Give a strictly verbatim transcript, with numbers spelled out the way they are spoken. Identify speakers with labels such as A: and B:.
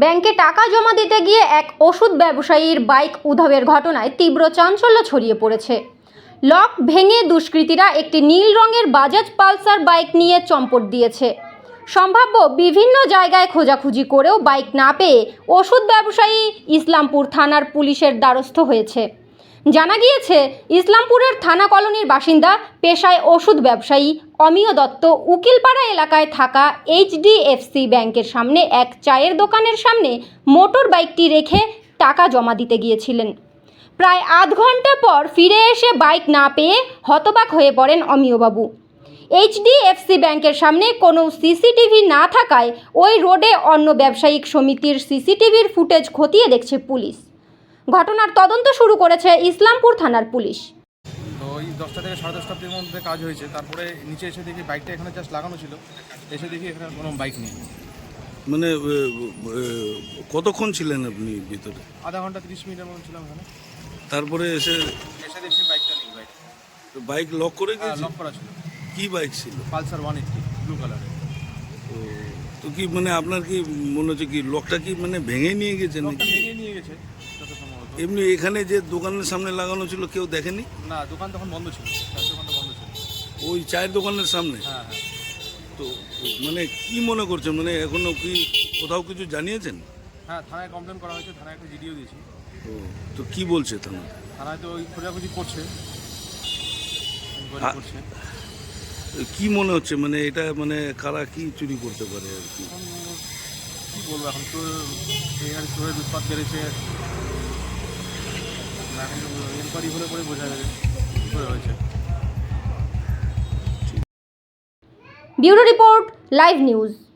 A: ব্যাংকে টাকা জমা দিতে গিয়ে এক ওষুধ ব্যবসায়ীর বাইক উধাওয়ের ঘটনায় তীব্র চাঞ্চল্য ছড়িয়ে পড়েছে। লক ভেঙে দুষ্কৃতীরা একটি নীল রঙের বাজাজ পালসার বাইক নিয়ে চম্পট দিয়েছে। সম্ভাব্য বিভিন্ন জায়গায় খোঁজাখুঁজি করেও বাইক না পেয়ে ওষুধ ব্যবসায়ী ইসলামপুর থানার পুলিশের দ্বারস্থ হয়েছে। জানা গিয়েছে, ইসলামপুরের থানা কলোনির বাসিন্দা, পেশায় ওষুধ ব্যবসায়ী অমিয় দত্ত উকিলপাড়া এলাকায় থাকা এইচডিএফসি ব্যাংকের সামনে এক চায়ের দোকানের সামনে মোটর বাইকটি রেখে টাকা জমা দিতে গিয়েছিলেন। প্রায় আধ ঘন্টা পর ফিরে এসে বাইক না পেয়ে হতবাক হয়ে পড়েন অমিয়বাবু। এইচডিএফসি ব্যাংকের সামনে কোনো সিসিটিভি না থাকায় ওই রোডে অন্য ব্যবসায়িক সমিতির সিসিটিভির ফুটেজ খতিয়ে দেখছে পুলিশ। ঘটনার তদন্ত শুরু করেছে ইসলামপুর থানার পুলিশ।
B: তো ওই দশটা থেকে সাড়ে দশটার মধ্যে কাজ হয়েছে। তারপরে নিচে এসে দেখি বাইকটা এখানে জাস্ট লাগানো ছিল, এসে দেখি এখানে কোনো বাইক নেই।
C: মানে কতক্ষণ ছিলেন আপনি ভিতরে?
B: আধা ঘন্টা তিরিশ মিনিটের মতো ছিলাম এখানে।
C: তারপরে এসে
B: এসে দেখছি বাইকটা নেই। বাইক
C: বাইক লক করে গেছে?
B: লক করা ছিল।
C: কি বাইক ছিল?
B: পালসার ওয়ান এইট্টি ব্লু কালারের।
C: তো তো কি মানে আপনার কি মনে হচ্ছে কি লকটা কি মানে ভেঙে নিয়ে গেছে নাকি?
B: ভেঙে নিয়ে গেছে যত সম্ভবত।
C: এমনি এখানে যে দোকানের সামনে লাগানো ছিল কেউ দেখেনি?
B: না, দোকান তখন বন্ধ ছিল, চায়ের দোকানটা বন্ধ ছিল।
C: ওই চায়ের দোকানের সামনে?
B: হ্যাঁ হ্যাঁ।
C: তো মানে কি মনে করছেন, মানে এখনো কি কোথাও কিছু জানিয়েছেন?
B: হ্যাঁ, থানায় কমপ্লেন করা হয়েছে, থানায় একটা ভিডিও দিয়েছি।
C: ও তো কি বলছে থানা?
B: থানায় তো ওই খোঁজাখুঁজি করছে করছে
C: কি মনে হচ্ছে মানে এটা মানে কারা কি চুরি করতে পারে আর কি?
B: এখন কী বলবো, এখন তো এখানে চোরের উৎপাত বেড়েছে। এখন এনকোয়ারি হলে পরে বোঝা যাবে কী করে হয়েছে।
A: Bureau report, live news.